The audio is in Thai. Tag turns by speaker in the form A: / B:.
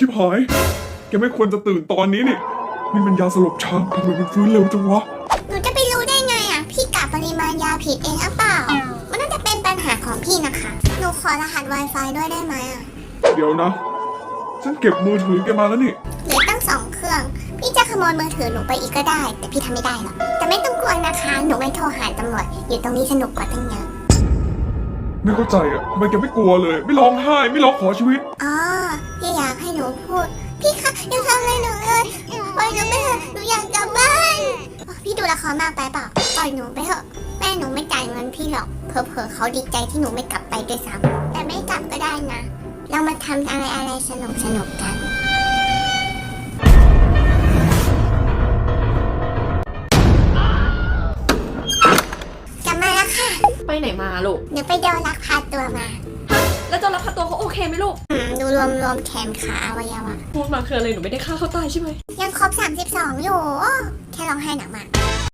A: ชิบหายแกไม่ควรจะตื่นตอนนี้นี่มันยาสลบช้างทำไมมันฟื้นเร็วจังวะ
B: หนูจะไปรู้ได้ไงอ่ะพี่กะปริมาณยาผิดเองหรือเปล่ามันน่าจะเป็นปัญหาของพี่นะคะหนูขอรหัส Wi-Fi ด้วยได้ไหมอ่ะ
A: เดี๋ยวนะฉันเก็บมือถือแกมาแล้วนี่
B: เหลือตั้ง2 เครื่องพี่จะขโมยมือถือหนูไปอีกก็ได้แต่พี่ทำไม่ได้หรอกแต่ไม่ต้องกลัวนะคะหนูไม่โทรหาตำรวจอยู่ตรงนี้สนุกกว่าตั้งเยอะ
A: ไม่เข้าใจอ่ะทำไมแกไม่กลัวเลยไม่ร้องไห้ไม่ร้องขอชีวิต
B: อ๋อพี่อยากให้หนูพูดพี่คะอย่าทำอะไรหนูเลยปล่อยหนูไปเถอะหนูอยากกลับบ้านพี่ดูละครมากไปเปล่าปล่อยหนูไปเถอะแม่หนูไม่จ่ายเงินพี่หรอกเผลอๆเขาดีใจที่หนูไม่กลับไปด้วยซ้ำแต่ไม่กลับก็ได้นะเรามาทำอะไรสนุกกันกลับมาแล้วค่ะ
C: ไปไหนมาลูก
B: เดี๋ยวไปโดนลักพาตัวมา
C: แล้วเจ้ารับพาตัวเขาโอเคไหมลูก
B: ดูรวมแขนขาอวัยวะ
C: พูดมาคืออะไรหนูไม่ได้ฆ่าเขาตายใช่ไหม
B: ยังครบ32อยู่แค่ร้องไห้หนักมาก